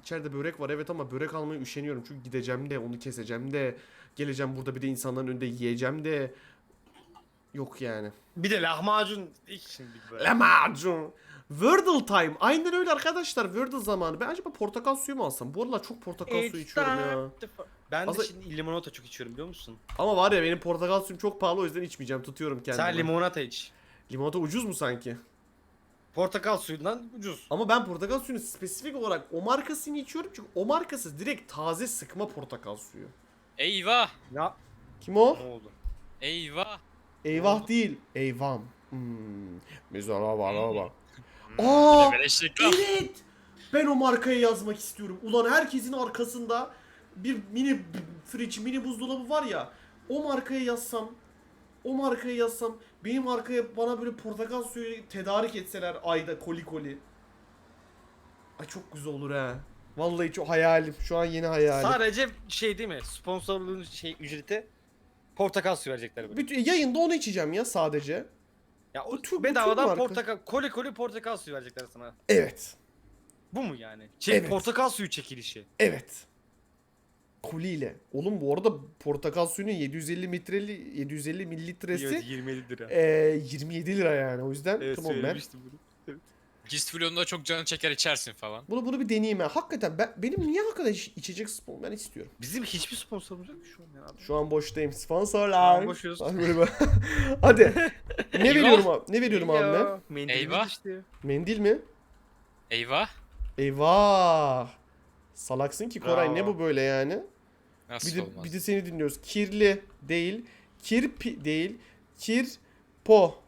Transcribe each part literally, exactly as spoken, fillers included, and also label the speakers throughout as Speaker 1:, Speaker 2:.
Speaker 1: İçeride börek var evet ama börek almaya üşeniyorum. Çünkü gideceğim de onu keseceğim de. Geleceğim burada bir de insanların önünde yiyeceğim de. Yok yani.
Speaker 2: Bir de lahmacun ilk şimdi böyle.
Speaker 1: Lahmacun. Wordle time. Aynen öyle arkadaşlar. Wordle zamanı. Ben acaba portakal suyu mu alsam? Bu aralar çok portakal suyu içiyorum ya.
Speaker 2: Ben de
Speaker 1: Aslında-
Speaker 2: şimdi limonata çok içiyorum biliyor musun?
Speaker 1: Ama var ya benim portakal suyum çok pahalı o yüzden içmeyeceğim. Tutuyorum kendimi.
Speaker 2: Sen limonata iç.
Speaker 1: Limonata ucuz mu sanki?
Speaker 2: Portakal suyundan ucuz.
Speaker 1: Ama ben portakal suyunu spesifik olarak o markasını içiyorum çünkü o markası direkt taze sıkma portakal suyu.
Speaker 3: Eyvah.
Speaker 2: Ya
Speaker 1: Kim o?
Speaker 2: ne oldu?
Speaker 3: Eyvah.
Speaker 1: Eyvah değil. Eyvam. Hmm. Mesela var ama.
Speaker 3: Hmm,
Speaker 1: Aa!
Speaker 3: bir de beleş reklam.
Speaker 1: Evet. Ben o markayı yazmak istiyorum. Ulan herkesin arkasında bir mini b- fridge, mini buzdolabı var ya. O markaya yazsam, o markaya yazsam, benim markaya bana böyle portakal suyu tedarik etseler ayda koli koli. Ay çok güzel olur ha. Vallahi çok hayalim. Şu an yeni hayalim.
Speaker 2: Sadece şey değil mi? Sponsorluğun şey ücreti portakal suyu verecekler böyle.
Speaker 1: Bütün yayında onu içeceğim ya sadece.
Speaker 2: Ya o
Speaker 1: Bu tür- bu tür
Speaker 2: bedavadan
Speaker 1: marka.
Speaker 2: portakal, koli koli portakal suyu verecekler sana.
Speaker 1: Evet.
Speaker 2: Bu mu yani? Şey,
Speaker 1: Evet.
Speaker 2: portakal suyu çekilişi.
Speaker 1: Evet. Koliyle. Oğlum bu arada portakal suyunun yedi yüz elli litreli yedi yüz elli mililitresi
Speaker 2: Evet, yirmi yedi lira.
Speaker 1: eee, yirmi yedi lira yani. O yüzden
Speaker 2: Evet,
Speaker 1: tamam ben.
Speaker 2: söylemiştim bunu.
Speaker 3: Gist Flon'da çok canı çeker içersin falan.
Speaker 1: Bunu bunu bir deneyeyim ha. Hakikaten ben benim niye hakikaten iç- içecek spor ben istiyorum.
Speaker 2: Bizim hiçbir sponsorumuz yok şu an ya abi.
Speaker 1: Şu an boştayım. Sponsorlar.
Speaker 2: Şu an boşuz.
Speaker 1: Ay böyle bak. Hadi. Ne veriyorum abi? Ne veriyorum abi ben?
Speaker 2: Mendil
Speaker 3: Eyvah.
Speaker 2: işte.
Speaker 1: Mendil mi?
Speaker 3: Eyvah.
Speaker 1: Eyvah. Salaksın ki Koray
Speaker 2: Bravo.
Speaker 1: ne bu böyle yani?
Speaker 3: Nasıl
Speaker 1: Bir de,
Speaker 3: olmaz?
Speaker 1: bir de seni dinliyoruz. Kirli değil. Kirpi değil. Kirpo.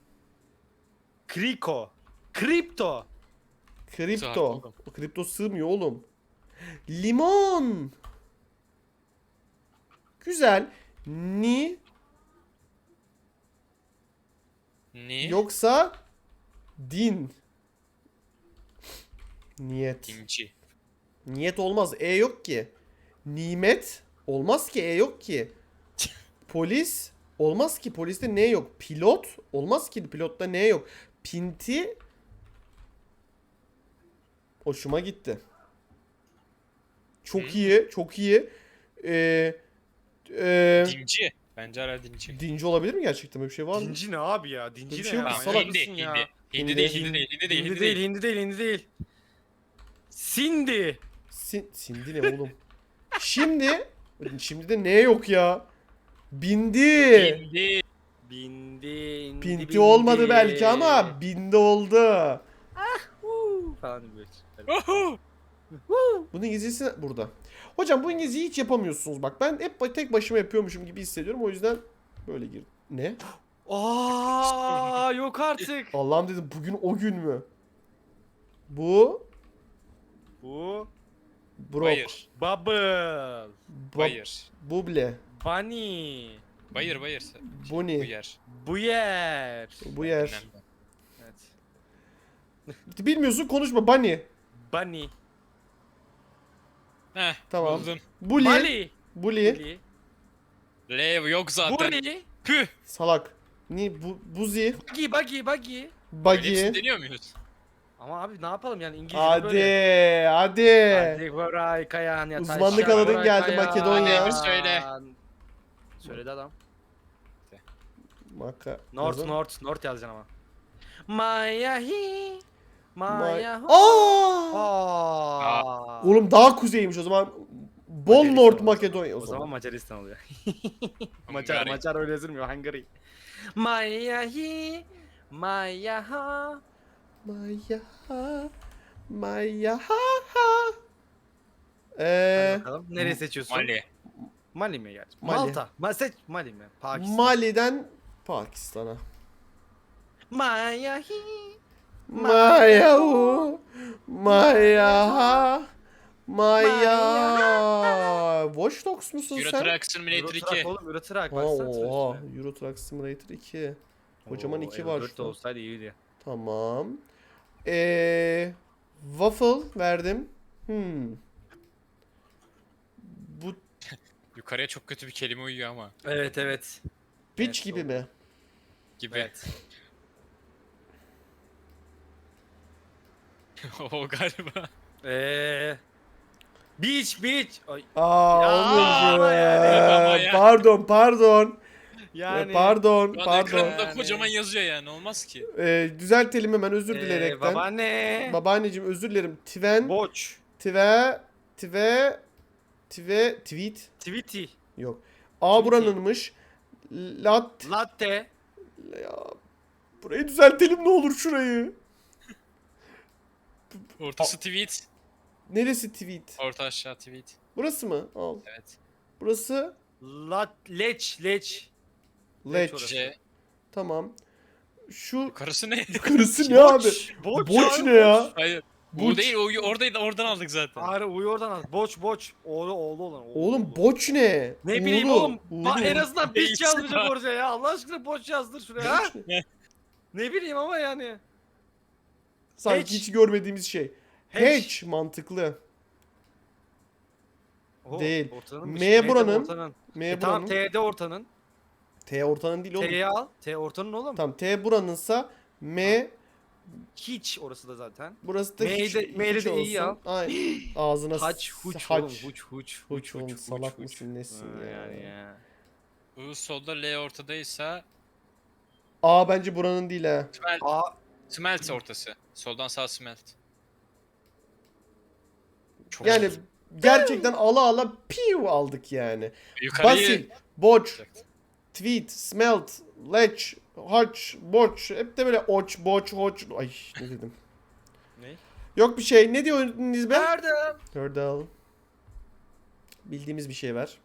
Speaker 2: Kriko. Kripto.
Speaker 1: Kripto.
Speaker 3: Sığar oğlum.
Speaker 1: O kripto sığmıyor oğlum. Limon. Güzel. Ni
Speaker 3: Ni?
Speaker 1: yoksa din. Niyet.
Speaker 3: Dinci.
Speaker 1: Niyet olmaz. E yok ki. Nimet olmaz ki. E yok ki. Polis olmaz ki. Poliste ne yok? Pilot olmaz ki. Pilotta ne yok? Pinti hoşuma gitti. Çok
Speaker 3: Hı.
Speaker 1: iyi. Çok iyi. Ee, ee,
Speaker 3: Dinci. Bence hala dinci.
Speaker 1: dinci olabilir mi gerçekten? Böyle bir şey var mı?
Speaker 2: Dinci ne abi ya? Dinci
Speaker 1: Bir
Speaker 2: ne
Speaker 1: şey yok
Speaker 2: ya?
Speaker 1: ki,
Speaker 3: Tamam,
Speaker 1: salak
Speaker 3: hindi,
Speaker 2: mısın
Speaker 3: hindi,
Speaker 2: ya?
Speaker 3: hindi.
Speaker 1: Hindi,
Speaker 3: değil,
Speaker 1: hindi.
Speaker 3: hindi değil, hindi değil,
Speaker 2: Hindi
Speaker 3: hindi
Speaker 2: değil,
Speaker 3: değil.
Speaker 2: hindi değil, hindi değil. Sindi.
Speaker 1: Sin sindi ne oğlum? Şimdi şimdi de ne yok ya? Bindi.
Speaker 3: Hindi.
Speaker 2: Bindi, indi,
Speaker 1: Pinti
Speaker 2: bindi.
Speaker 1: olmadı belki ama bindi oldu.
Speaker 2: Huu falan böyle.
Speaker 3: Oho.
Speaker 1: Bunun İngilizcesi burada. Hocam bu İngilizceyi hiç yapamıyorsunuz bak. Ben hep tek başıma yapıyormuşum gibi hissediyorum. O yüzden böyle gir. Ne?
Speaker 2: Aa yok artık.
Speaker 1: Allah'ım dedim bugün o gün mü? Bu
Speaker 2: Bu
Speaker 1: Brok.
Speaker 3: Bayır.
Speaker 2: Bubble.
Speaker 1: Ba-
Speaker 3: Bayır.
Speaker 1: Buble.
Speaker 2: Bunny.
Speaker 3: Bayır bayır.
Speaker 1: Bu ne?
Speaker 3: Bu yer.
Speaker 2: Bu yer.
Speaker 1: Bu yer.
Speaker 3: Önemli.
Speaker 2: Evet.
Speaker 1: Bilmiyorsun konuşma Bunny.
Speaker 2: Bunny.
Speaker 3: Heh,
Speaker 1: Tamam.
Speaker 3: buldun.
Speaker 1: Bully.
Speaker 2: Bali.
Speaker 1: Bully.
Speaker 2: Bully.
Speaker 3: L yok zaten.
Speaker 2: Bully.
Speaker 3: Püh.
Speaker 1: Salak. Ni bu buzi.
Speaker 2: Buggy, buggy, buggy.
Speaker 1: Buggy.
Speaker 3: Hepsini deniyor muyuz?
Speaker 2: Ama abi ne yapalım yani İngilizce
Speaker 1: Hadi,
Speaker 2: böyle.
Speaker 1: hadi.
Speaker 2: Hadi Koray Kayan ya.
Speaker 1: Uzmanlık
Speaker 2: taşlar,
Speaker 1: alanın
Speaker 2: Koray
Speaker 1: geldi,
Speaker 2: Kayan.
Speaker 1: Makedonya.
Speaker 3: Hadi söyle.
Speaker 2: Söyledi adam.
Speaker 1: Maka.
Speaker 2: North,
Speaker 1: Yazın.
Speaker 2: North, North yazacaksın ama. Maya hi. Maya
Speaker 1: May-
Speaker 2: ho.
Speaker 1: Aa!
Speaker 2: Aa.
Speaker 1: Oğlum daha kuzeymiş o zaman. Bol
Speaker 2: Macaristan
Speaker 1: North
Speaker 2: oluyor.
Speaker 1: Makedonya
Speaker 2: O zaman Macaristan oluyor. Macar,
Speaker 3: Hungary.
Speaker 2: Macar öyle yazılmıyor. Hungary. Maya hi. Maya ha.
Speaker 1: Maya ha. Maya ha ha.
Speaker 2: Hadi
Speaker 1: Eee
Speaker 2: bakalım. Nereye seçiyorsun?
Speaker 3: Mali.
Speaker 2: Mali mi gerçi?
Speaker 1: Mali.
Speaker 2: Malta. Ma seç Mali mi? Pakistan.
Speaker 1: Mali'den Pakistan'a.
Speaker 2: Maya hi.
Speaker 1: Maya hu. Maya ha. Maya. Watch Dogs musun
Speaker 3: Euro
Speaker 1: sen?
Speaker 3: Truck Simulator
Speaker 2: Euro Truck
Speaker 3: iki.
Speaker 2: oğlum, Euro Truck.
Speaker 1: Ha,
Speaker 2: Baksana
Speaker 1: oha.
Speaker 2: üstüne.
Speaker 1: Euro Truck Simulator iki. Kocaman
Speaker 2: Oo,
Speaker 1: iki
Speaker 2: Euro
Speaker 1: var
Speaker 2: dört de
Speaker 1: şurada.
Speaker 2: olsaydı iyiydi.
Speaker 1: Tamam. Eee waffle verdim. Hmm. Bu
Speaker 3: Yukarıya çok kötü bir kelime uyuyor ama.
Speaker 2: Evet evet.
Speaker 1: bitch
Speaker 2: Evet,
Speaker 1: gibi
Speaker 2: doğru.
Speaker 1: mi?
Speaker 3: Gibi.
Speaker 2: Evet.
Speaker 3: o galiba.
Speaker 2: Eee Beach beach. Ay,
Speaker 4: Aa
Speaker 2: Ya,
Speaker 4: oğlum
Speaker 2: ama yani,
Speaker 3: ama
Speaker 4: ya.
Speaker 3: ya.
Speaker 4: Pardon pardon.
Speaker 2: yani.
Speaker 4: Pardon
Speaker 3: Şu an
Speaker 4: pardon.
Speaker 3: ekranında
Speaker 2: Yani.
Speaker 3: kocaman yazıyor yani olmaz ki.
Speaker 4: Ee, düzeltelim hemen özür
Speaker 2: Ee,
Speaker 4: dilerekten.
Speaker 2: babaanne.
Speaker 4: Babaanneciğim özür dilerim. Tven,
Speaker 2: Boç.
Speaker 4: tve, tve, tve, tweet.
Speaker 2: Tweety.
Speaker 4: Yok. A
Speaker 2: Tweety.
Speaker 4: buranınmış. Lat.
Speaker 2: Latte.
Speaker 4: Ya, burayı düzeltelim ne olur şurayı.
Speaker 3: Ortası tweet.
Speaker 4: Neresi tweet?
Speaker 3: Orta aşağı tweet.
Speaker 4: Burası mı? Al.
Speaker 3: Evet.
Speaker 4: Burası
Speaker 2: Lat leç leç.
Speaker 4: leç.
Speaker 2: orası.
Speaker 3: C.
Speaker 4: Tamam. Şu
Speaker 3: Karısı ne?
Speaker 4: yukarısı ne abi?
Speaker 2: Boç,
Speaker 4: Boç
Speaker 2: abi,
Speaker 4: ne ya?
Speaker 3: Hayır.
Speaker 4: Burç.
Speaker 3: Bu değil o oradaydı oradan aldık zaten.
Speaker 2: Ağrı uyu oradan al. Boç boç. Oğlu oğlu olan. Oğlu,
Speaker 4: Oğlum
Speaker 2: oğlu.
Speaker 4: boç ne?
Speaker 2: Ne bileyim
Speaker 4: Uğurlu,
Speaker 2: oğlum. Ba-
Speaker 4: uğurlu.
Speaker 2: en azından
Speaker 3: Neyse
Speaker 2: piç yazmayacak
Speaker 3: lan.
Speaker 2: oraya ya. Allah aşkına boç yazdır şuraya ha.
Speaker 3: Ne?
Speaker 2: Ne bileyim ama yani.
Speaker 4: Sanki
Speaker 2: Hatch.
Speaker 4: hiç görmediğimiz şey.
Speaker 2: Hatch.
Speaker 4: Hatch mantıklı.
Speaker 2: Oho,
Speaker 4: Değil.
Speaker 2: ortanınmış.
Speaker 4: M
Speaker 2: M de
Speaker 4: buranın.
Speaker 2: ortanın.
Speaker 4: M
Speaker 2: E,
Speaker 4: buranın.
Speaker 2: tamam T'de ortanın.
Speaker 4: T ortanın değil oğlum.
Speaker 2: T'yi al. T ortanın oğlum.
Speaker 4: Tamam T buranınsa M
Speaker 2: Hiç orası da zaten.
Speaker 4: burası da
Speaker 2: M'yi
Speaker 4: hiç,
Speaker 2: de- M'yi
Speaker 4: hiç
Speaker 2: de iyi
Speaker 4: olsun. Aynen. Ağzına
Speaker 2: Haç
Speaker 4: s-
Speaker 2: huç
Speaker 4: haç.
Speaker 2: oğlum huç huç
Speaker 4: Huç oğlum, salak mısın, nesin
Speaker 2: Ha,
Speaker 4: ya?
Speaker 2: Yani ya.
Speaker 3: U solda L ortadaysa
Speaker 4: A bence buranın değil ha.
Speaker 3: smelt,
Speaker 2: A
Speaker 3: smelt ortası. Soldan sağ smelt. Çok
Speaker 4: Yani
Speaker 3: zor.
Speaker 4: gerçekten ala ala piu aldık yani.
Speaker 3: Yukarıyı
Speaker 4: Basil, boç,
Speaker 3: yapacaktı.
Speaker 4: tweet, smelt, leç, harç, boç. Hep de böyle oç, boç, hoç. Ay ne dedim.
Speaker 2: Ne?
Speaker 4: Yok bir şey. Ne diyorsunuz be?
Speaker 2: Nerede?
Speaker 4: Hurdle. Bildiğimiz bir şey var.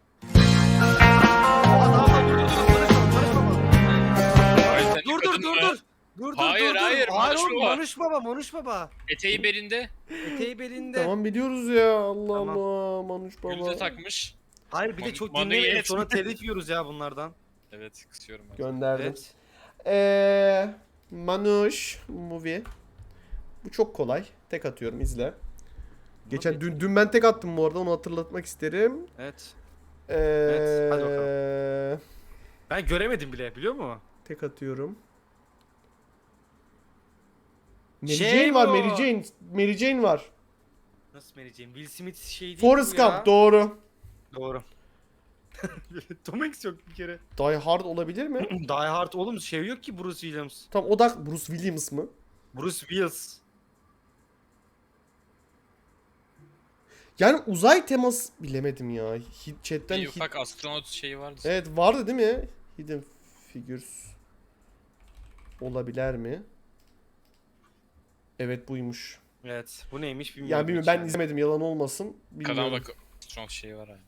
Speaker 3: Hayır, sen
Speaker 2: Dur dur
Speaker 3: yıkadın
Speaker 2: dur
Speaker 3: mı?
Speaker 2: dur. Dur dur
Speaker 3: Hayır,
Speaker 2: dur dur.
Speaker 3: hayır,
Speaker 2: Hayır
Speaker 3: Manuş
Speaker 2: oğlum
Speaker 3: Baba.
Speaker 2: Manuş baba Manuş baba.
Speaker 3: Eteği belinde.
Speaker 2: Eteği belinde.
Speaker 4: Tamam biliyoruz ya. Allah
Speaker 2: Tamam.
Speaker 4: Allah. Manuş
Speaker 3: Gülü de
Speaker 4: baba.
Speaker 3: takmış.
Speaker 2: Hayır bir de
Speaker 3: Man-
Speaker 2: çok
Speaker 3: Manu'yu
Speaker 2: dinlemeyin
Speaker 3: yet.
Speaker 2: sonra telif yiyoruz ya bunlardan.
Speaker 3: Evet kısıyorum ben.
Speaker 4: Gönderdim.
Speaker 2: Evet.
Speaker 4: Eee Manuş movie. Bu çok kolay. Tek atıyorum izle. Geçen dün, dün ben tek attım bu arada onu hatırlatmak isterim.
Speaker 2: Evet.
Speaker 4: Eee
Speaker 2: Evet, hadi bakalım. Ben göremedim bile biliyor musun?
Speaker 4: Tek atıyorum. Mary
Speaker 2: Şey
Speaker 4: Jane var,
Speaker 2: bu.
Speaker 4: Mary Jane. Mary Jane var.
Speaker 2: Nasıl vereceğim? Will Smith şey değil
Speaker 4: Forrest
Speaker 2: bu ya.
Speaker 4: Gump doğru.
Speaker 2: Doğru. Tom Hanks yok bir kere.
Speaker 4: Die Hard olabilir mi?
Speaker 2: Die Hard oğlum şey yok ki Bruce Williams.
Speaker 4: Tam odak Bruce Williams mı?
Speaker 2: Bruce Willis.
Speaker 4: Yani uzay teması bilemedim ya. Hit, chatten
Speaker 3: Bir
Speaker 4: hit-
Speaker 3: ufak astronot şeyi vardı.
Speaker 4: Evet vardı değil mi? Hidden Figures olabilir mi? Evet buymuş.
Speaker 2: Evet. Bu neymiş bilmiyorum.
Speaker 4: Yani bilmiyorum
Speaker 2: hiç
Speaker 4: ben
Speaker 2: yani.
Speaker 4: izlemedim yalan olmasın. Bilmiyorum.
Speaker 3: Kadına bak astronot şeyi var abi.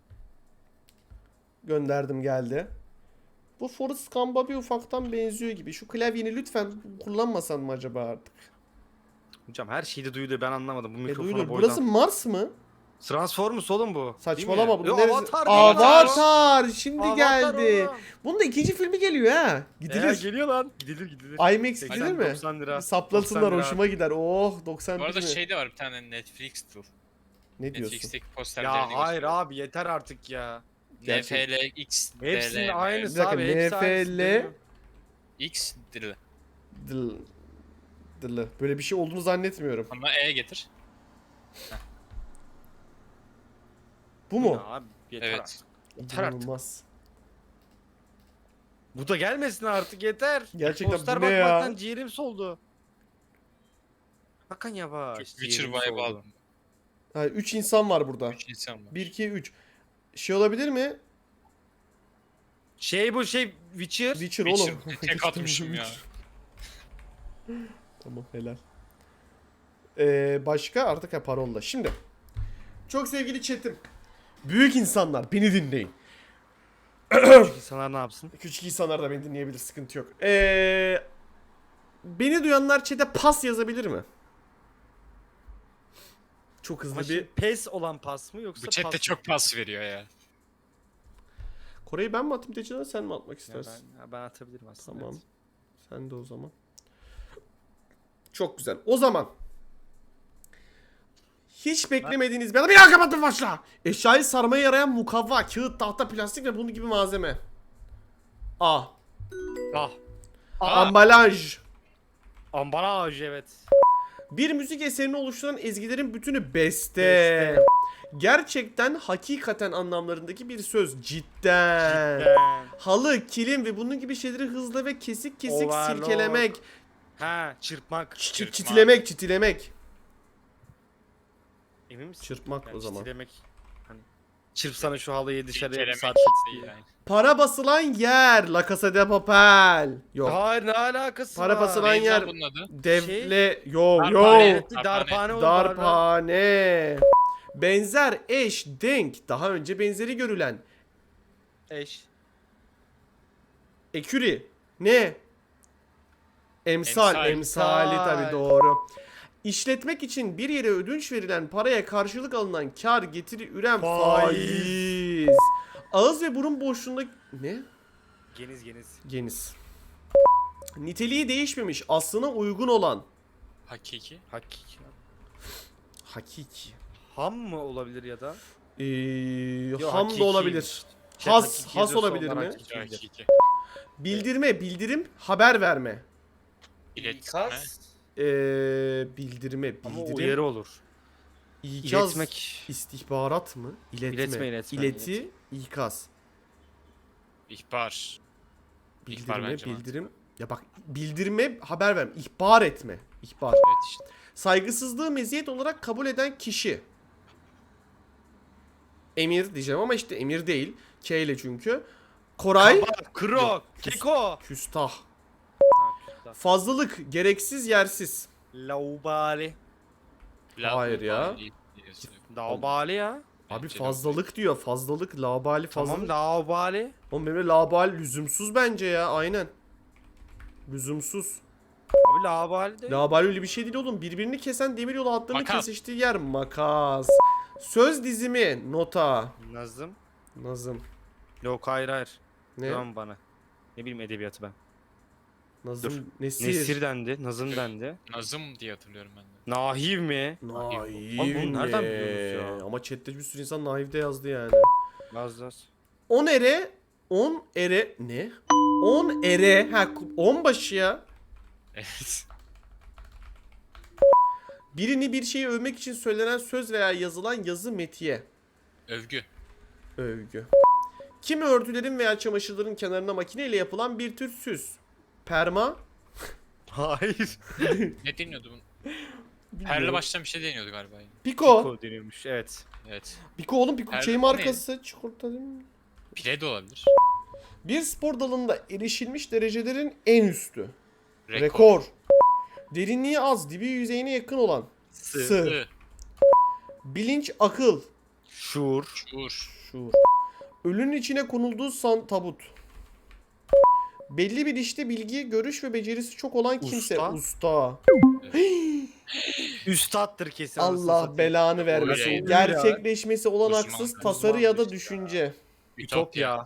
Speaker 4: Gönderdim geldi. Bu Forrest Gump'a bir ufaktan benziyor gibi. Şu klavyeni lütfen kullanmasan mı acaba artık?
Speaker 2: Hocam her şeyi de duyuluyor ben anlamadım bu
Speaker 4: E,
Speaker 2: mikrofona
Speaker 4: duyulur.
Speaker 2: boydan.
Speaker 4: Burası Mars mı?
Speaker 2: Transformers oğlum bu.
Speaker 4: Saçmalama.
Speaker 2: Değil mi?
Speaker 4: Bunun
Speaker 2: Yo,
Speaker 4: neresi?
Speaker 2: Avatar. değil mi?
Speaker 4: Avatar. Şimdi
Speaker 2: Avatar
Speaker 4: geldi.
Speaker 2: oğlum.
Speaker 4: Bunun da ikinci filmi geliyor ha.
Speaker 2: Ee,
Speaker 4: Gidilir.
Speaker 2: geliyor lan. Gidilir gidilir.
Speaker 4: IMAX gidilir mi?
Speaker 2: doksan lira.
Speaker 4: Saplasınlar
Speaker 2: doksan lira.
Speaker 4: hoşuma gider. Oh doksan
Speaker 3: Bu arada
Speaker 4: bir mi?
Speaker 3: şey de var bir tane Netflix tool.
Speaker 4: Ne diyorsun?
Speaker 3: Netflix'teki posterlerini
Speaker 2: Ya hayır abi yeter artık ya.
Speaker 3: N F L, X, D L,
Speaker 2: Hepsinin
Speaker 3: M,
Speaker 2: aynısı
Speaker 4: Bir dakika,
Speaker 2: abi. Hepsi aynısı
Speaker 4: N F L
Speaker 2: değil mi?
Speaker 3: X, D L.
Speaker 4: Dıl. Dılı. Böyle bir şey olduğunu zannetmiyorum.
Speaker 3: Ama E getir.
Speaker 4: Bu
Speaker 2: Ya
Speaker 4: mu?
Speaker 2: abi yeter
Speaker 3: Evet.
Speaker 2: artık. Yeter artık.
Speaker 4: İnanılmaz.
Speaker 2: Bu da gelmesin artık yeter.
Speaker 4: Gerçekten
Speaker 2: Poster
Speaker 4: bu ne ya?
Speaker 2: bakmaktan ciğerim soldu. Hakan yavaş.
Speaker 3: Çok Witcher
Speaker 2: ciğerim
Speaker 3: vibe
Speaker 2: soldu.
Speaker 3: aldım.
Speaker 4: Ha, üç insan var burada.
Speaker 3: Üç insan var.
Speaker 4: bir, iki, üç. Şey olabilir mi?
Speaker 2: Şey bu şey Witcher.
Speaker 4: Witcher,
Speaker 3: Witcher.
Speaker 4: oğlum.
Speaker 3: Tek atmışım ya.
Speaker 4: Tamam helal. Ee, başka artık ha parolla. Şimdi. Çok sevgili chat'im. Büyük insanlar beni dinleyin.
Speaker 2: Küçük insanlar ne yapsın?
Speaker 4: Küçük insanlar da beni dinleyebilir sıkıntı yok. Ee, beni duyanlar chat'e pas yazabilir mi? Çok hızlı
Speaker 2: Ama
Speaker 4: bir...
Speaker 2: şimdi pes olan pas mı yoksa
Speaker 3: Bu chatte
Speaker 2: pas mı?
Speaker 3: çok pas veriyor ya.
Speaker 4: Kore'yi ben mi atayım Teçen'e sen mi atmak
Speaker 2: Ya
Speaker 4: istersin?
Speaker 2: ben, ya ben atabilirim aslında.
Speaker 4: Tamam.
Speaker 2: evet.
Speaker 4: Sen de o zaman. Çok güzel. O zaman hiç beklemediğiniz bir anda bir daha kapattım başla. Eşyayı sarmaya yarayan mukavva, kağıt, tahta, plastik ve bunun gibi malzeme. A.
Speaker 2: Ah.
Speaker 4: Ambalaj.
Speaker 2: Ambalaj evet.
Speaker 4: Bir müzik eserini oluşturan ezgilerin bütünü beste.
Speaker 2: Beste.
Speaker 4: Gerçekten, hakikaten anlamlarındaki bir söz. Cidden.
Speaker 2: Cidden.
Speaker 4: Halı, kilim ve bunun gibi şeyleri hızlı ve kesik kesik
Speaker 2: Overlock.
Speaker 4: silkelemek.
Speaker 2: Ha, çırpmak.
Speaker 4: Ç-
Speaker 3: Çırpmak.
Speaker 4: çitilemek, çitilemek.
Speaker 2: Emin misin?
Speaker 4: Çırpmak
Speaker 2: Yani
Speaker 4: o zaman.
Speaker 2: çitilemek. Hani çırpsana şu halıyı dışarıya bir
Speaker 3: Kelemek
Speaker 2: saat
Speaker 3: değil yani.
Speaker 4: Para basılan yer. La Casa de Papel. Yok.
Speaker 2: Hayır, ne alakası
Speaker 4: Para
Speaker 2: var?
Speaker 4: basılan
Speaker 3: Neydi
Speaker 4: yer.
Speaker 3: lan bunun adı?
Speaker 4: Devle. Yo
Speaker 3: Darphane.
Speaker 4: yo.
Speaker 2: Evet, bir darphane olur.
Speaker 4: Darphane. Benzer, eş, denk. Daha önce benzeri görülen.
Speaker 2: Eş.
Speaker 4: Eküri. Ne? Emsal.
Speaker 3: Emsal.
Speaker 4: Emsali
Speaker 2: Emsal.
Speaker 4: tabii doğru. İşletmek için bir yere ödünç verilen paraya karşılık alınan kar getiri üren
Speaker 2: Faiz.
Speaker 4: faiz. Ağız ve burun boşluğunda ne?
Speaker 2: Geniz geniz.
Speaker 4: Geniz. Niteliği değişmemiş, aslına uygun olan.
Speaker 3: Hakiki.
Speaker 2: Hakiki.
Speaker 4: Hakiki.
Speaker 2: Ham mı olabilir ya da?
Speaker 4: Ee,
Speaker 2: Yo,
Speaker 4: ham
Speaker 2: hakiki.
Speaker 4: da olabilir.
Speaker 2: Şey,
Speaker 4: Has,
Speaker 2: hakiki
Speaker 4: has
Speaker 2: yazıyorsa
Speaker 4: olabilir
Speaker 2: onlar
Speaker 4: mi?
Speaker 2: hakiki.
Speaker 3: Hakiki.
Speaker 4: Bildirme, bildirim, haber verme.
Speaker 3: İletme.
Speaker 2: İkaz.
Speaker 4: Ee, bildirme,
Speaker 2: Ama
Speaker 4: bildirim.
Speaker 2: uyarı olur.
Speaker 4: İkaz,
Speaker 2: İletmek.
Speaker 4: istihbarat mı? İletme.
Speaker 2: İletme, iletme,
Speaker 4: İleti, ikaz.
Speaker 3: İhbar. İhbar
Speaker 4: Bildirme,
Speaker 3: bence
Speaker 4: bildirim. Ya bak, bildirme, haber verme, ihbar etme. İhbar.
Speaker 3: Evet işte.
Speaker 4: Saygısızlığı meziyet olarak kabul eden kişi. Emir diyeceğim ama işte emir değil. K ile çünkü. Koray.
Speaker 2: Kabak, krok, keko.
Speaker 4: Küstah.
Speaker 2: Ha, küstah.
Speaker 4: Fazlalık, gereksiz, yersiz.
Speaker 2: Laubali.
Speaker 4: Hayır ya.
Speaker 3: Laubali diyorsun.
Speaker 2: Laubali ya.
Speaker 4: Abi
Speaker 3: Bence de
Speaker 4: fazlalık diyor. Fazlalık, labali, fazlalık.
Speaker 2: Tamam, laubali.
Speaker 4: Oğlum benim de labali lüzumsuz bence ya. Aynen. Lüzumsuz.
Speaker 2: Abi laubali de.
Speaker 4: Labali öyle bir şey değil oğlum. Birbirini kesen demir yolu hatlarının
Speaker 3: Makas.
Speaker 4: kesiştiği yer. Makas. Söz dizimi, nota.
Speaker 2: Nazım.
Speaker 4: Nazım.
Speaker 2: Yok, hayır hayır.
Speaker 4: Ne?
Speaker 2: Güven bana. Ne bileyim edebiyatı ben.
Speaker 4: Nazım,
Speaker 2: Dur.
Speaker 4: Nesir.
Speaker 2: Nesir dendi, Nazım dendi.
Speaker 3: Nazım diye hatırlıyorum ben de.
Speaker 2: Nahiv mi?
Speaker 4: Naif
Speaker 2: Abi bunu nereden
Speaker 4: ne?
Speaker 2: biliyorsunuz ya?
Speaker 4: Ama chatte bir sürü insan naif de yazdı yani.
Speaker 2: Naz naz.
Speaker 4: On ere, on ere, ne? On ere, ha on başı ya.
Speaker 3: Evet.
Speaker 4: Birini bir şeyi övmek için söylenen söz veya yazılan yazı metiye.
Speaker 3: Övgü.
Speaker 4: Övgü. Kimi örtülerin veya çamaşırların kenarına makineyle yapılan bir tür süs. Perma.
Speaker 2: Hayır.
Speaker 3: Ne deniyordu bunun? Perle başlayan bir şey deniyordu galiba.
Speaker 4: Piko.
Speaker 2: Piko deniyormuş, evet.
Speaker 3: Evet.
Speaker 4: Piko oğlum Piko
Speaker 3: Perle
Speaker 4: şey
Speaker 3: ne?
Speaker 4: markası. Çikolata değil mi?
Speaker 3: Pire de olabilir.
Speaker 4: Bir spor dalında erişilmiş derecelerin en üstü.
Speaker 3: Rekor.
Speaker 4: Rekor. Derinliği az, dibi yüzeyine yakın olan.
Speaker 2: Sı.
Speaker 4: Sı.
Speaker 3: Sı.
Speaker 4: Bilinç, akıl.
Speaker 2: Şuur.
Speaker 3: Şuur.
Speaker 4: Şuur. Ölünün içine konulduğu san tabut. Belli bir işte bilgi, görüş ve becerisi çok olan kimse.
Speaker 2: Usta.
Speaker 4: Usta.
Speaker 2: Üstattır kesin. anasını
Speaker 4: Allah
Speaker 2: satayım.
Speaker 4: belanı vermesin.
Speaker 3: Öyleydi.
Speaker 4: Gerçekleşmesi olanaksız
Speaker 3: Uzman.
Speaker 4: tasarı ya da
Speaker 2: Uzman.
Speaker 4: düşünce.
Speaker 2: Ütopya.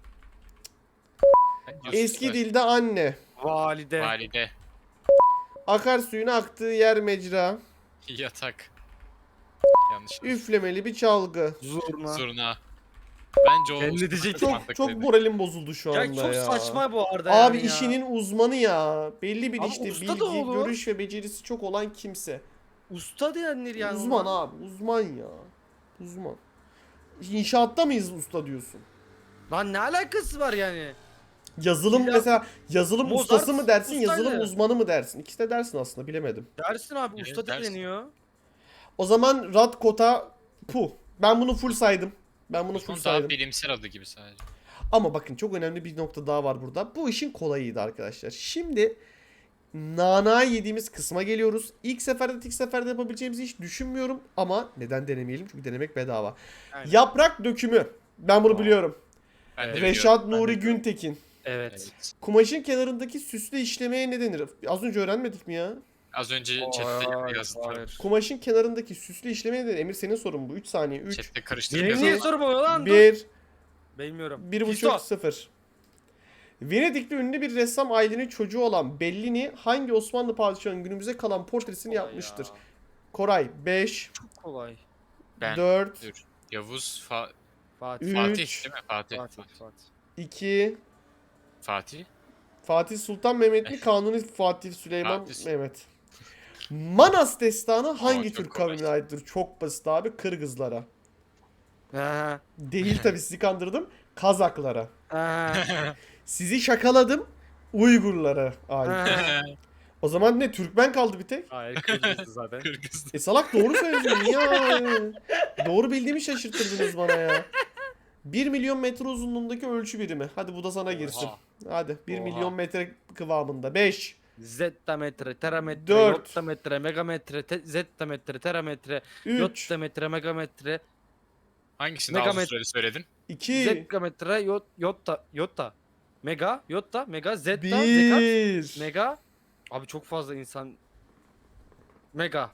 Speaker 4: Eski dilde anne.
Speaker 2: Valide.
Speaker 3: Valide.
Speaker 4: Akarsuyun aktığı yer mecra.
Speaker 3: Yatak. Yanlış.
Speaker 4: Üflemeli bir çalgı.
Speaker 2: Zurna.
Speaker 3: Zurna. Bence o
Speaker 2: Ben ne diyecektim?
Speaker 4: Çok çok moralim bozuldu şu
Speaker 2: Ya
Speaker 4: anda
Speaker 2: çok
Speaker 4: ya.
Speaker 2: saçma bu arada
Speaker 4: Abi
Speaker 2: yani ya.
Speaker 4: işinin uzmanı ya. Belli bir
Speaker 2: Abi
Speaker 4: işte
Speaker 2: usta da
Speaker 4: bilgi,
Speaker 2: olur.
Speaker 4: görüş ve becerisi çok olan kimse.
Speaker 2: Usta denir yani.
Speaker 4: Uzman
Speaker 2: ona.
Speaker 4: abi, uzman ya. Uzman. İnşaatta mıyız usta diyorsun?
Speaker 2: Lan ne alakası var yani?
Speaker 4: Yazılım
Speaker 2: Ya-
Speaker 4: mesela yazılım
Speaker 2: Mozart
Speaker 4: ustası mı dersin,
Speaker 2: ustaydı.
Speaker 4: yazılım uzmanı mı dersin? İkisi de dersin aslında, bilemedim.
Speaker 2: Dersin abi,
Speaker 3: Evet,
Speaker 2: usta
Speaker 3: dersin.
Speaker 2: deniyor.
Speaker 4: O zaman Radkota Pu. Ben bunu full saydım. Ben bunu full
Speaker 3: Bunun daha
Speaker 4: saydım.
Speaker 3: bilimsel adı gibi sadece.
Speaker 4: Ama bakın çok önemli bir nokta daha var burada. Bu işin kolayıydı arkadaşlar. Şimdi nana yediğimiz kısma geliyoruz. İlk seferde tek seferde yapabileceğimizi hiç düşünmüyorum. Ama neden denemeyelim? Çünkü denemek bedava.
Speaker 2: Aynen.
Speaker 4: Yaprak dökümü. Ben bunu
Speaker 2: Aa.
Speaker 4: biliyorum.
Speaker 3: Ben de
Speaker 4: Reşat
Speaker 2: Ben de
Speaker 4: Nuri
Speaker 2: biliyorum.
Speaker 4: Güntekin.
Speaker 2: Evet.
Speaker 3: Evet.
Speaker 4: Kumaşın kenarındaki süslü işlemeye ne denir? Az önce öğrenmedik mi ya?
Speaker 3: Az önce
Speaker 2: Hayır,
Speaker 3: chatte yazdım.
Speaker 2: hayır.
Speaker 4: Kumaşın kenarındaki süslü işlemeye ne denir? Emir senin sorun bu. üç saniye. üç,
Speaker 3: Chatte
Speaker 2: Benim
Speaker 3: karıştırıp
Speaker 2: niye
Speaker 3: yazdım.
Speaker 2: sorum oluyor lan? Dur.
Speaker 4: bir,
Speaker 2: Bilmiyorum.
Speaker 4: bir buçuk,
Speaker 2: Fisto.
Speaker 4: sıfır. Venedikli ünlü bir ressam ailenin çocuğu olan Bellini hangi Osmanlı padişahının günümüze kalan portresini
Speaker 2: Kolay
Speaker 4: yapmıştır?
Speaker 2: ya.
Speaker 4: Koray beş,
Speaker 2: Çok kolay.
Speaker 3: Ben.
Speaker 4: dört,
Speaker 3: Dur. Yavuz. Fa
Speaker 2: Fatih.
Speaker 4: Üç.
Speaker 3: Fatih değil mi? Fatih.
Speaker 2: Fatih.
Speaker 3: Fatih.
Speaker 2: Fatih.
Speaker 4: iki,
Speaker 3: Fatih.
Speaker 4: Fatih Sultan Mehmet mi? Kanuni Fatih Süleyman
Speaker 3: Fatih.
Speaker 4: Mehmet. Manas destanı hangi
Speaker 3: çok
Speaker 4: Türk
Speaker 3: kolay.
Speaker 4: kavmine aittir? Çok basit abi. Kırgızlara.
Speaker 2: Ha.
Speaker 4: Değil tabii, sizi kandırdım. Kazaklara.
Speaker 2: Ha.
Speaker 4: Sizi şakaladım. Uygurlara ait.
Speaker 2: Ha.
Speaker 4: O zaman ne, Türkmen kaldı bir tek.
Speaker 2: Hayır, Kırgız'dı zaten.
Speaker 3: Kırgız'da.
Speaker 4: E salak, doğru söylüyorsun. Niye ya? Doğru bildiğimi şaşırttırdınız bana ya. bir milyon metre uzunluğundaki ölçü birimi. Hadi bu da sana girsin.
Speaker 3: Oha.
Speaker 4: Hadi bir
Speaker 3: Oha.
Speaker 4: milyon metre kıvamında. beş.
Speaker 2: Zettametre, terametre,
Speaker 4: Dört.
Speaker 2: yottametre, megametre, te- zettametre, terametre,
Speaker 4: üç.
Speaker 2: yottametre, megametre,
Speaker 3: Hangisini daha uzun
Speaker 2: Megamet-
Speaker 3: süreli söyledin?
Speaker 4: iki.
Speaker 2: zekametre, yot, yotta, yotta, mega, yotta, mega, zetta, zekat,
Speaker 4: bir.
Speaker 2: mega. Abi çok fazla insan. Mega.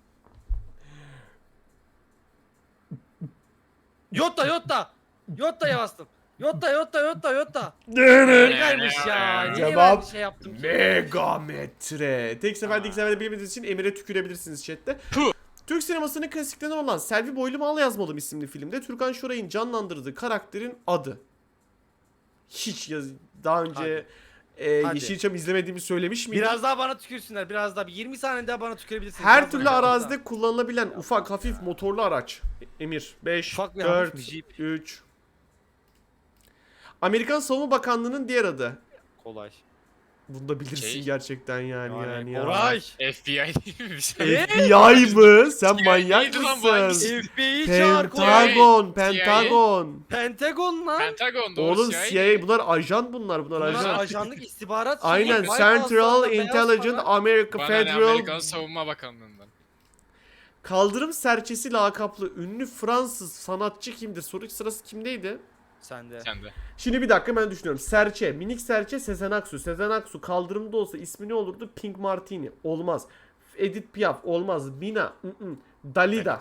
Speaker 2: Yotta, yotta. Yotta'ya bastım. Yotta, yotta, yotta, yotta. Megaymış ya. Niye ben
Speaker 4: Cevap
Speaker 2: bir şey yaptım ki?
Speaker 4: Megametre. Tek seferde iki seferde bilmediğiniz için Emir'e tükürebilirsiniz chatte.
Speaker 3: Puh.
Speaker 4: Türk sinemasının klasiklerinden olan Selvi Boylu Mal Yazmalım isimli filmde Türkan Şoray'ın canlandırdığı karakterin adı. Hiç yaz daha önce e,
Speaker 2: Hadi.
Speaker 4: Yeşilçam izlemediğimi söylemiş miydim?
Speaker 2: Biraz daha bana tükürsünler. Biraz daha. Bir yirmi saniye daha bana tükürebilirsiniz.
Speaker 4: Her
Speaker 2: Biraz
Speaker 4: türlü
Speaker 2: daha.
Speaker 4: arazide kullanılabilen ufak hafif motorlu araç. Emir beş,
Speaker 2: Ufak bir hafif
Speaker 4: dört,
Speaker 2: bir jeep.
Speaker 4: üç. Amerikan Savunma Bakanlığı'nın diğer adı.
Speaker 2: Kolay.
Speaker 4: Bunu da bilirsin
Speaker 3: Şey,
Speaker 4: gerçekten yani yani,
Speaker 2: Yani
Speaker 4: ya.
Speaker 2: kolay.
Speaker 3: F B I değil mi bir şey?
Speaker 2: Ne?
Speaker 4: F B I mı? Sen manyak
Speaker 3: neydi lan bu,
Speaker 4: mısın?
Speaker 3: hangisi?
Speaker 2: F B I çağır kolay.
Speaker 4: Pentagon,
Speaker 3: C I A.
Speaker 4: Pentagon.
Speaker 2: Pentagon lan.
Speaker 3: Pentagon doğru
Speaker 4: Oğlum
Speaker 3: C I A.
Speaker 4: C I A bunlar ajan bunlar bunlar
Speaker 2: Bunlar
Speaker 4: ajan.
Speaker 2: ajanlık istihbarat. şeyi,
Speaker 4: Aynen,
Speaker 2: White
Speaker 4: Central
Speaker 2: House'dan da beyaz
Speaker 4: Intelligence
Speaker 2: para.
Speaker 4: America
Speaker 3: Bana ne,
Speaker 4: Federal
Speaker 3: Amerikan Savunma Bakanlığı'ndan.
Speaker 4: Kaldırım Serçesi lakaplı ünlü Fransız sanatçı kimdir? Soru sırası kimdeydi?
Speaker 2: Sende.
Speaker 3: Sen de.
Speaker 4: Şimdi bir dakika, ben düşünüyorum. Serçe, minik serçe Sezen Aksu. Sezen Aksu kaldırımda olsa ismi ne olurdu? Pink Martini. Olmaz. Edith Piaf olmaz. Mina. ı-ı. Dalida.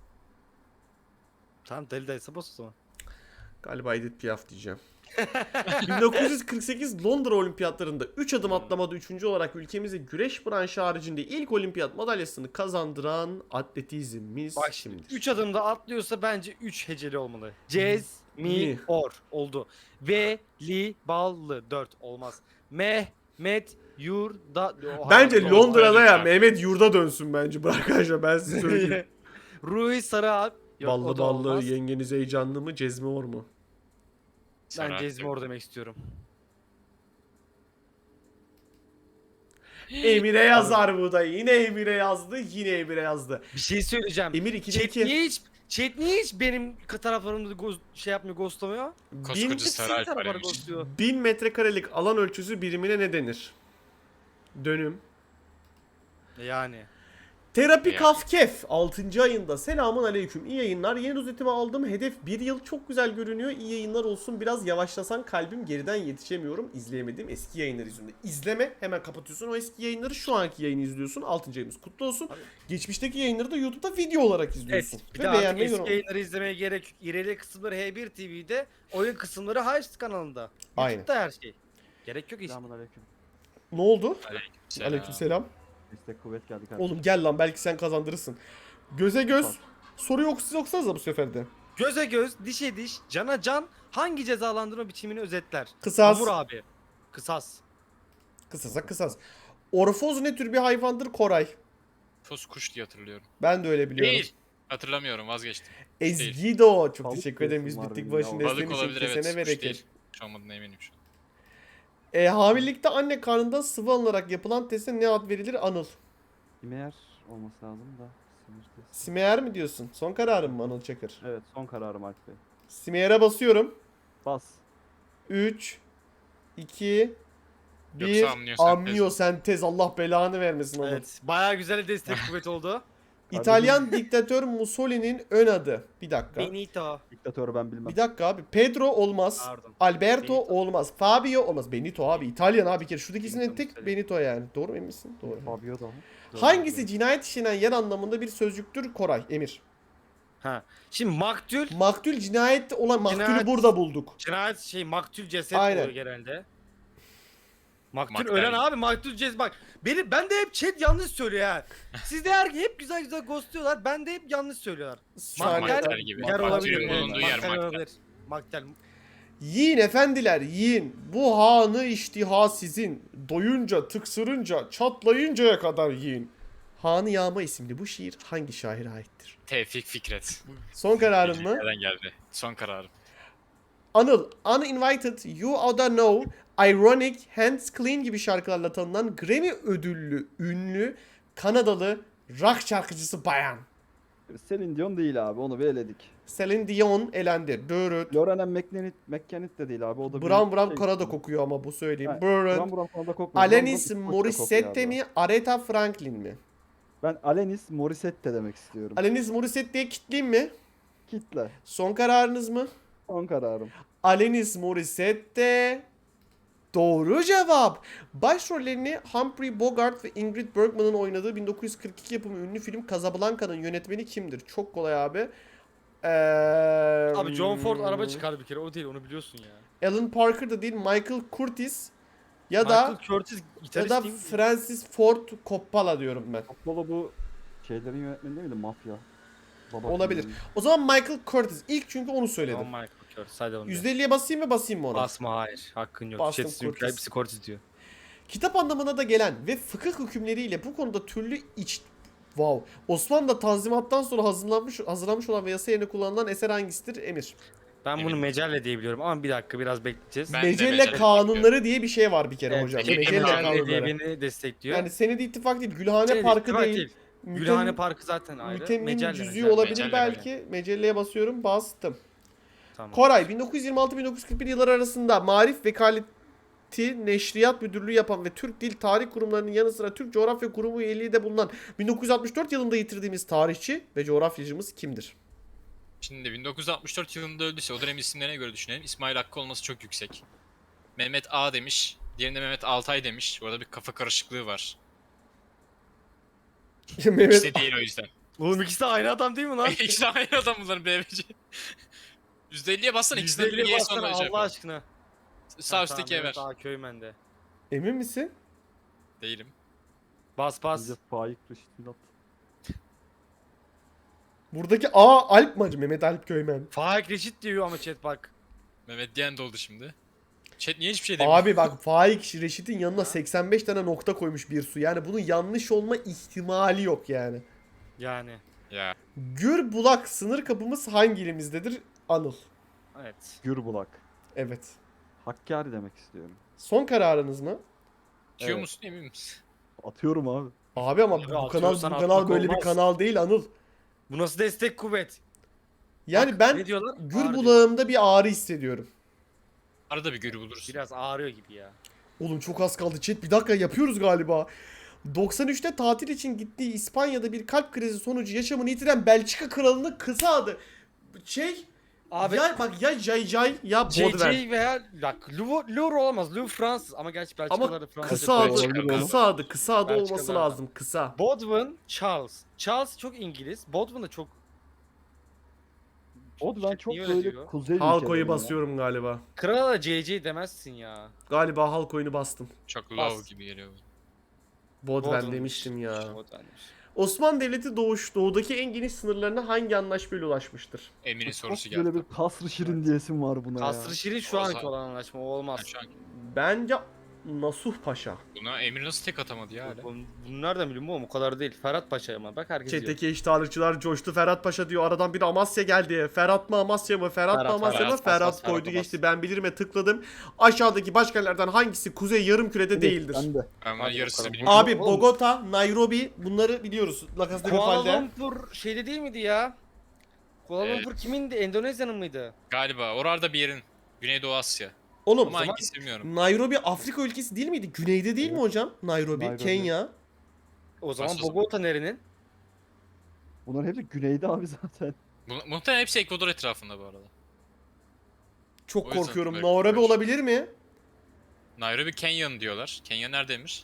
Speaker 2: Tamam deli dayısı boz o zaman.
Speaker 4: Galiba Edith Piaf diyeceğim. bin dokuz yüz kırk sekiz Londra Olimpiyatlarında üç adım atlamada üçüncü olarak ülkemize güreş branşı haricinde ilk olimpiyat madalyasını kazandıran atletizmimiz
Speaker 2: Bak şimdi
Speaker 4: kimdir?
Speaker 2: üç adımda atlıyorsa bence üç heceli olmalı. Cez, mi,
Speaker 4: Mi.
Speaker 2: or oldu. Ve, li, ballı dört olmaz. Mehmet, yur, da... Oha,
Speaker 4: Bence
Speaker 2: doğru.
Speaker 4: Londra'da ya
Speaker 3: Lütfen.
Speaker 4: Mehmet yurda dönsün bence. Bırak arkadaşlar, ben size söyleyeyim.
Speaker 2: Ruhi Sarı Alp. Yok, o
Speaker 4: Ballı
Speaker 2: da
Speaker 4: ballı
Speaker 2: olmaz.
Speaker 4: yengeniz heyecanlı mı Cezmi Or mu?
Speaker 2: Ben
Speaker 3: Sarı
Speaker 2: Cezmor demek istiyorum.
Speaker 4: Emir'e yazar bu da. Yine Emir'e yazdı. Yine Emir'e yazdı.
Speaker 2: Bir şey söyleyeceğim.
Speaker 4: Emir ikide
Speaker 2: Chat
Speaker 4: iki.
Speaker 2: niye hiç, chat niye hiç benim taraflarımda goz, şey yapmıyor, ghostlamıyor?
Speaker 4: Bin,
Speaker 3: Koskoca
Speaker 2: Hep
Speaker 3: Sarı
Speaker 2: sizin
Speaker 3: Alp var
Speaker 2: taraflara
Speaker 3: Emir.
Speaker 2: ghostluyor.
Speaker 4: bin metrekarelik alan ölçüsü birimine ne denir? Dönüm.
Speaker 2: Yani.
Speaker 4: Terapi
Speaker 3: Ya.
Speaker 4: Kafkef altıncı ayında. Selamun aleyküm. İyi yayınlar. Yeni rozetimi aldım. Hedef bir yıl. Çok güzel görünüyor. İyi yayınlar olsun. Biraz yavaşlasan kalbim, geriden yetişemiyorum. İzleyemediğim eski yayınlar yüzünden. İzleme. Hemen kapatıyorsun o eski yayınları. Şu anki yayını izliyorsun. altıncı ayımız kutlu olsun.
Speaker 2: Abi.
Speaker 4: Geçmişteki yayınları da YouTube'da video olarak
Speaker 2: Evet.
Speaker 4: izliyorsun.
Speaker 2: Bir
Speaker 4: Ve
Speaker 2: de artık
Speaker 4: beğenmeyi
Speaker 2: eski
Speaker 4: yorum-
Speaker 2: yayınları izlemeye gerek yok. İreli kısımları H bir T V'de, oyun kısımları Highest kanalında.
Speaker 4: Aynen.
Speaker 2: YouTube'da her şey. Gerek yok hiç.
Speaker 5: Selamünaleyküm.
Speaker 4: Ne oldu?
Speaker 3: Selam.
Speaker 4: Aleykümselam.
Speaker 5: Destek kuvvet geldi kardeşim.
Speaker 4: Oğlum gel lan, belki sen kazandırırsın. Göze göz. Soru yok, siz yoksanız da bu sefer de.
Speaker 2: Göze göz, dişe diş, cana can hangi cezalandırma biçimini özetler?
Speaker 4: Kısas.
Speaker 2: Hamur abi. Kısas.
Speaker 4: Kısasa kısas. Orfoz ne tür bir hayvandır Koray?
Speaker 3: Fos kuş diye hatırlıyorum.
Speaker 4: Ben de öyle biliyorum.
Speaker 3: Değil. Hatırlamıyorum vazgeçtim.
Speaker 4: Ezgido. Çok
Speaker 5: Tavuk
Speaker 4: teşekkür ederim.
Speaker 5: diyorsun
Speaker 4: Biz
Speaker 5: var
Speaker 4: bittik
Speaker 5: benim
Speaker 4: başın
Speaker 5: ya.
Speaker 4: desteğin
Speaker 3: Balık
Speaker 4: için.
Speaker 3: olabilir, evet.
Speaker 4: Kesene
Speaker 3: Kuş
Speaker 4: bereket.
Speaker 3: değil. Kuş olmadığına eminim şu an.
Speaker 4: E, hamilelikte anne karnından sıvı alınarak yapılan teste ne ad verilir? Anıl.
Speaker 5: İmeyer olması lazım da. Sinir testi.
Speaker 4: Simeyer mi diyorsun? Son kararım mı Anıl Çakır?
Speaker 5: Evet, son kararım Alp Bey.
Speaker 4: Simeyer'e basıyorum.
Speaker 5: Bas.
Speaker 4: üç, iki, bir.
Speaker 3: Yoksa amniyosentez.
Speaker 4: Amniyosentez. Allah belanı vermesin Anıl.
Speaker 2: Evet. Bayağı güzel destek kuvvet oldu.
Speaker 4: İtalyan diktatör Mussolini'nin ön adı. Bir dakika.
Speaker 2: Benito.
Speaker 5: Diktatörü ben bilmem.
Speaker 4: Bir dakika abi. Pedro olmaz.
Speaker 2: Pardon.
Speaker 4: Alberto
Speaker 2: Benito.
Speaker 4: olmaz. Fabio olmaz. Benito abi. İtalyan abi. Bir kere şuradaki
Speaker 2: Benito
Speaker 4: isimden tek
Speaker 2: Mussolini.
Speaker 4: Benito yani. Doğru mu, emin misin? Doğru.
Speaker 5: Fabio da mı?
Speaker 4: Hangisi cinayet işlenen yer anlamında bir sözcüktür Koray? Emir.
Speaker 2: Ha. Şimdi maktül,
Speaker 4: Maktül cinayet olan maktülü
Speaker 2: Cinayet-
Speaker 4: burada bulduk.
Speaker 2: cinayet şey maktül ceset
Speaker 4: Aynen.
Speaker 2: oluyor genelde. Maktül
Speaker 3: Maktel.
Speaker 2: ölen abi maktül ceset bak. Beni ben de hep chat yanlış söylüyor ha. Siz de her hep güzel güzel ghostluyorlar. Ben de hep yanlış söylüyorlar.
Speaker 4: Saniye.
Speaker 2: Maktel
Speaker 3: Maktel gibi.
Speaker 2: yer olabilir.
Speaker 3: Maktulün
Speaker 2: evet.
Speaker 3: bulunduğu yer
Speaker 2: Maktel
Speaker 3: maktel.
Speaker 2: olabilir. Maktel.
Speaker 4: Yiyin efendiler yiyin. Bu hanı iştiha sizin. Doyunca, tıksırınca, çatlayıncaya kadar yiyin. Hanı Yağma isimli bu şiir hangi şaire aittir?
Speaker 3: Tevfik Fikret.
Speaker 4: Son kararın mı?
Speaker 3: Nereden geldi? Son kararım.
Speaker 4: Anıl, Uninvited, You Oughta Know, Ironic, Hands Clean gibi şarkılarla tanınan Grammy ödüllü, ünlü, Kanadalı rock şarkıcısı bayan.
Speaker 5: Celine Dion değil abi, onu bir eledik.
Speaker 4: Celine Dion elendi. Dörüt.
Speaker 5: Lauren McKennitt, McKennitt de değil abi, o da bir
Speaker 4: Brown Brown
Speaker 5: şey-
Speaker 4: Kanada kokuyor ama bu söyleyeyim.
Speaker 5: Ha,
Speaker 4: Börüt.
Speaker 5: Brown Brown Kanada kokmuyor.
Speaker 4: Alanis
Speaker 5: Brown Brown İskoçya
Speaker 4: Morissette
Speaker 5: kokuyor abi.
Speaker 4: mi, Aretha Franklin mi?
Speaker 5: Ben Alanis Morissette demek istiyorum.
Speaker 4: Alanis Morissette diye kitleyeyim mi?
Speaker 5: Kitle.
Speaker 4: Son kararınız mı?
Speaker 5: Son kararım.
Speaker 4: Alanis Morissette doğru cevap. Başrollerini Humphrey Bogart ve Ingrid Bergman'ın oynadığı bin dokuz yüz kırk iki yapımı ünlü film Casablanca'nın yönetmeni kimdir? Çok kolay abi. Ee,
Speaker 2: Abi John Ford araba çıkardı bir kere, o değil, onu biliyorsun ya.
Speaker 4: Alan Parker da değil, Michael Curtis ya
Speaker 2: Michael
Speaker 4: da
Speaker 2: Curtis
Speaker 4: ya
Speaker 2: gitarist
Speaker 4: da
Speaker 2: değil mi?
Speaker 4: Francis Ford Coppola diyorum ben.
Speaker 5: Apollo bu şeylerin yönetmeni değil miydi? Mafya. Baba
Speaker 4: Olabilir.
Speaker 5: filminin.
Speaker 4: O zaman Michael Curtis ilk çünkü onu söyledim.
Speaker 2: Tamam, Michael Curtis, hadi onu.
Speaker 4: yüzde elliye basayım mı basayım mı ona?
Speaker 2: Basma, hayır. Hakkın yok.
Speaker 4: Bastım,
Speaker 2: Bastım,
Speaker 4: Curtis.
Speaker 2: Curtis. Hepsi Curtis diyor.
Speaker 4: Kitap anlamına da gelen ve fıkıh hükümleriyle bu konuda türlü iç... Wow. Osmanlı'da tanzimattan sonra hazırlanmış, hazırlanmış olan ve yasa yerine kullanılan eser hangisidir? Emir.
Speaker 2: Ben bunu
Speaker 3: Eminim.
Speaker 2: mecelle diye biliyorum ama bir dakika, biraz bekleyeceğiz.
Speaker 3: Ben de
Speaker 4: Mecelle
Speaker 3: Mecelle
Speaker 4: kanunları diye bir şey var bir kere
Speaker 2: Evet,
Speaker 4: hocam.
Speaker 3: Mecelle
Speaker 4: Mecelle
Speaker 3: kanunları
Speaker 2: diye
Speaker 4: kanunları.
Speaker 2: beni destekliyor.
Speaker 4: Yani Senedi İttifak değil, Gülhane
Speaker 2: Şey,
Speaker 4: Parkı
Speaker 2: ittifak
Speaker 4: değil. Mütem-
Speaker 2: Gülhane Parkı zaten ayrı.
Speaker 4: Mütemmin
Speaker 2: Mecelle,
Speaker 4: cüzüğü
Speaker 2: mecelle.
Speaker 4: olabilir
Speaker 3: Mecelle,
Speaker 4: belki. Mecelleye basıyorum, bastım.
Speaker 2: Tamam.
Speaker 4: Koray, bin dokuz yüz yirmi altı bin dokuz yüz kırk bir yılları arasında Marif Vekaleti Neşriyat Müdürlüğü yapan ve Türk Dil Tarih Kurumlarının yanı sıra Türk Coğrafya Kurumu üyeliği de bulunan bin dokuz yüz altmış dört yılında yitirdiğimiz tarihçi ve coğrafyacımız kimdir?
Speaker 3: Şimdi bin dokuz yüz altmış dört yılında öldüyse o dönem isimlerine göre düşünelim. İsmail Hakkı olması çok yüksek. Mehmet A demiş. Diğerinde Mehmet Altay demiş. Bu arada bir kafa karışıklığı var.
Speaker 4: Mehmet
Speaker 3: İkisi de değil o yüzden.
Speaker 2: Oğlum ikisi de aynı adam değil mi lan?
Speaker 3: İkisi de aynı adam bunların B B C. yüzde elliye bassana, ikisi de
Speaker 2: yüzde elliye
Speaker 3: bir
Speaker 2: bassana
Speaker 3: sonra
Speaker 2: Allah aşkına.
Speaker 3: Sağ üstteki Ever.
Speaker 2: Daha Köymen'de.
Speaker 4: emin misin?
Speaker 3: Değilim.
Speaker 2: Bas bas.
Speaker 5: Bence Faik Reşit Milat.
Speaker 4: Buradaki A Alp mı acı? Mehmet Alp Köymen.
Speaker 2: Faik Reşit diyor ama chat bak.
Speaker 3: Mehmet diyen de oldu şimdi. Chat niye hiçbir şey demiyor?
Speaker 4: Abi bak Faik Reşit'in yanına seksen beş tane nokta koymuş bir su. Yani bunun yanlış olma ihtimali yok yani.
Speaker 2: Yani.
Speaker 3: Ya.
Speaker 4: Gürbulak sınır kapımız hangi ilimizdedir? Anıl.
Speaker 2: Evet.
Speaker 5: Gürbulak.
Speaker 4: Evet.
Speaker 5: Hakkari demek istiyorum.
Speaker 4: Son kararınız mı?
Speaker 3: Diyor
Speaker 5: Evet.
Speaker 3: musun emin misin?
Speaker 5: Atıyorum abi.
Speaker 4: Abi ama
Speaker 2: Abi
Speaker 4: bu kanal bu
Speaker 2: atıyorsan
Speaker 4: kanal
Speaker 2: atmak
Speaker 4: böyle bir
Speaker 2: olmaz.
Speaker 4: kanal değil Anıl.
Speaker 2: Bu nasıl destek kuvvet?
Speaker 4: Yani
Speaker 2: Bak,
Speaker 4: ben
Speaker 2: ne diyorlar?
Speaker 4: gür
Speaker 2: Ağrı diyor.
Speaker 4: bulağımda bir ağrı hissediyorum.
Speaker 3: Arada bir görü bulursun.
Speaker 2: Biraz ağrıyor gibi ya.
Speaker 4: Oğlum çok az kaldı chat. Bir dakika yapıyoruz galiba. doksan üçte tatil için gittiği İspanya'da bir kalp krizi sonucu yaşamını yitiren Belçika kralının kısa adı. Şey
Speaker 2: Abi
Speaker 4: ya bak ya Jay Jay ya
Speaker 2: J
Speaker 4: Baudelaire.
Speaker 2: J veya bak Louvre, Louvre olamaz. Louvre Fransız ama gerçi Belçikalılar
Speaker 4: Ama
Speaker 2: da Fransızca
Speaker 4: kısa adı,
Speaker 2: konuşuyor.
Speaker 5: Belçika.
Speaker 4: kısa adı, kısa adı
Speaker 2: Belçikalılar
Speaker 4: olması
Speaker 2: da.
Speaker 4: lazım. Kısa.
Speaker 2: Bodwin Charles. Charles çok İngiliz. Bodwin de çok...
Speaker 5: O da ben çok
Speaker 2: Niye öyle
Speaker 5: böyle
Speaker 2: diyor?
Speaker 5: kuzey
Speaker 4: Halk
Speaker 5: ülkeleri
Speaker 4: oyu
Speaker 5: ya.
Speaker 4: basıyorum galiba.
Speaker 2: Krala da J J demezsin ya.
Speaker 4: Galiba halk oyunu bastım.
Speaker 3: Çok
Speaker 2: Bas.
Speaker 3: low gibi geliyor.
Speaker 4: Bodven
Speaker 2: Bodwin'miş.
Speaker 4: demiştim ya.
Speaker 2: Bodwin'miş.
Speaker 4: Osmanlı Devleti doğuş, doğudaki en geniş sınırlarına hangi anlaşmayla ulaşmıştır?
Speaker 3: Emin'in
Speaker 5: Çok
Speaker 3: sorusu
Speaker 5: böyle
Speaker 3: geldi.
Speaker 5: bir kasrı şirin diyesim var buna
Speaker 2: Kasrı
Speaker 5: ya.
Speaker 2: Şirin şu
Speaker 3: O
Speaker 2: anki
Speaker 3: zaman-
Speaker 2: olan anlaşma o
Speaker 3: Ben
Speaker 2: olmaz.
Speaker 3: şu an
Speaker 4: Bence Nasuh Paşa.
Speaker 3: buna Emir nasıl tek atamadı ya hala?
Speaker 2: Bunu bunu nereden biliyorum oğlum, o kadar değil. Ferhat Paşa ama bak herkes diyor.
Speaker 4: Çeteki iştahlıkçılar coştu. Ferhat Paşa diyor. Aradan bir Amasya geldi. Ferhat mı Amasya mı? Ferhat, mı
Speaker 2: Ferhat,
Speaker 4: Amasya mı?
Speaker 2: Ferhat,
Speaker 4: Ferhat,
Speaker 2: Ferhat,
Speaker 4: koydu
Speaker 2: Ferhat,
Speaker 4: geçti. Ben bilirime tıkladım. Aşağıdaki başkentlerden hangisi Kuzey Yarımküre'de
Speaker 5: Evet,
Speaker 4: değildir?
Speaker 5: Ben de.
Speaker 3: Ama
Speaker 2: Hadi
Speaker 3: yarısını
Speaker 2: bakalım.
Speaker 3: bilmiyorum.
Speaker 4: Abi
Speaker 2: Oğlum.
Speaker 4: Bogota, Nairobi bunları biliyoruz. La Casa de
Speaker 2: Kuala
Speaker 4: Papel'de.
Speaker 2: Lumpur şeyde değil miydi ya? Kuala
Speaker 3: Evet.
Speaker 2: Lumpur kimindi? Endonezya'nın mıydı?
Speaker 3: Galiba orada bir yerin. Güneydoğu Asya.
Speaker 4: Oğlum
Speaker 3: Ama hangisi bilmiyorum.
Speaker 4: Nairobi Afrika ülkesi değil miydi? Güneyde değil mi
Speaker 5: Evet.
Speaker 4: hocam? Nairobi,
Speaker 5: Nairobi.
Speaker 4: Kenya.
Speaker 2: O zaman
Speaker 3: Nasıl o zaman?
Speaker 2: Bogota nerenin?
Speaker 5: Bunların hepsi güneyde abi zaten.
Speaker 3: Bu, muhtemelen hepsi Ekvador etrafında bu arada.
Speaker 4: Çok
Speaker 3: O yüzden
Speaker 4: korkuyorum.
Speaker 3: böyle
Speaker 4: Nairobi
Speaker 3: karışık.
Speaker 4: olabilir mi?
Speaker 3: Nairobi Kenya'nın diyorlar. Kenya neredeymiş?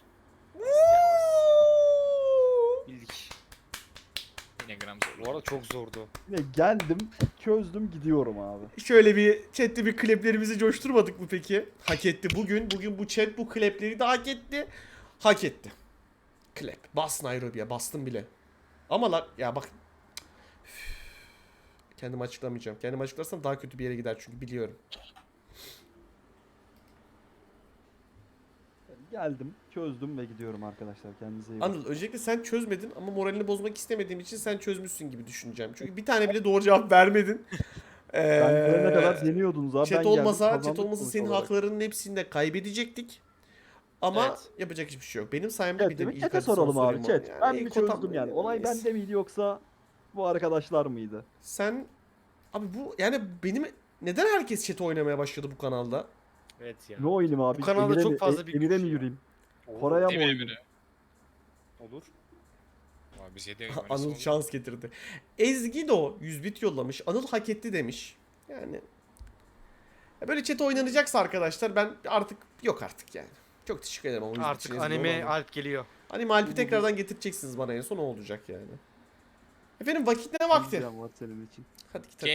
Speaker 2: Bildik.
Speaker 3: Yine gram
Speaker 2: Bu
Speaker 3: zor.
Speaker 2: arada çok zordu.
Speaker 5: Yine geldim, çözdüm, gidiyorum abi.
Speaker 4: Şöyle bir chatte bir kleplerimizi coşturmadık mı peki? Hak etti. Bugün bugün bu chat bu klepleri de hak etti. Hak etti. Klep. Bas Nairobi'ye. Bastım bile. Ama la ya bak. Üf. Kendimi açıklamayacağım. Kendimi açıklarsam daha kötü bir yere gider çünkü biliyorum.
Speaker 5: Geldim, çözdüm ve gidiyorum arkadaşlar. Kendinize iyi bakın.
Speaker 4: Anıl öncelikle sen çözmedin ama moralini bozmak istemediğim için sen çözmüşsün gibi düşüneceğim. Çünkü bir tane bile doğru cevap vermedin. Ee,
Speaker 5: Ben gelene kadar deniyordunuz abi.
Speaker 4: Chat
Speaker 5: ben geldim,
Speaker 4: olmasa,
Speaker 5: kazandık
Speaker 4: chat olmasa
Speaker 5: sonuç
Speaker 4: senin
Speaker 5: olarak.
Speaker 4: haklarının hepsini de kaybedecektik. Ama
Speaker 2: Evet.
Speaker 4: yapacak hiçbir şey yok. Benim sayemde
Speaker 5: Evet,
Speaker 4: bir
Speaker 5: değil
Speaker 4: de
Speaker 5: mi?
Speaker 4: ilk
Speaker 5: Chat'e
Speaker 4: hadi sana
Speaker 5: soralım abi.
Speaker 4: sorayım
Speaker 5: Chat.
Speaker 4: yani.
Speaker 5: Ben
Speaker 4: İlk
Speaker 5: mi çözdüm
Speaker 4: otam-
Speaker 5: yani? Olay
Speaker 4: Neyse.
Speaker 5: bende miydi yoksa bu arkadaşlar mıydı?
Speaker 4: Sen abi bu yani benim neden herkes chat oynamaya başladı bu kanalda?
Speaker 2: Evet ya.
Speaker 5: Ne oynayayım abi?
Speaker 2: Bu kanalda
Speaker 5: Emir'e
Speaker 2: çok
Speaker 5: mi-
Speaker 2: fazla
Speaker 5: E-
Speaker 2: bir
Speaker 5: Emir'e
Speaker 2: güç
Speaker 5: mi
Speaker 2: ya.
Speaker 5: yürüyeyim? Koray'a mı
Speaker 3: Emine
Speaker 5: oynayayım?
Speaker 3: Emine.
Speaker 2: Olur.
Speaker 3: Abi biz yedi
Speaker 4: Anıl şans getirdi. Ezgi de o yüz bit yollamış. Anıl hak etti demiş. Yani ya böyle chat oynanacaksa arkadaşlar ben artık yok artık yani. Çok teşekkür ederim ama yüz bit
Speaker 2: Artık
Speaker 4: için Ezgi
Speaker 2: anime
Speaker 4: olmadı.
Speaker 2: Alp geliyor.
Speaker 4: Anime Alp'i tekrardan getireceksiniz bana en son o olacak yani. Efendim vakit ne vakti?
Speaker 5: Diyeceğim var senin için.
Speaker 4: Hadi git.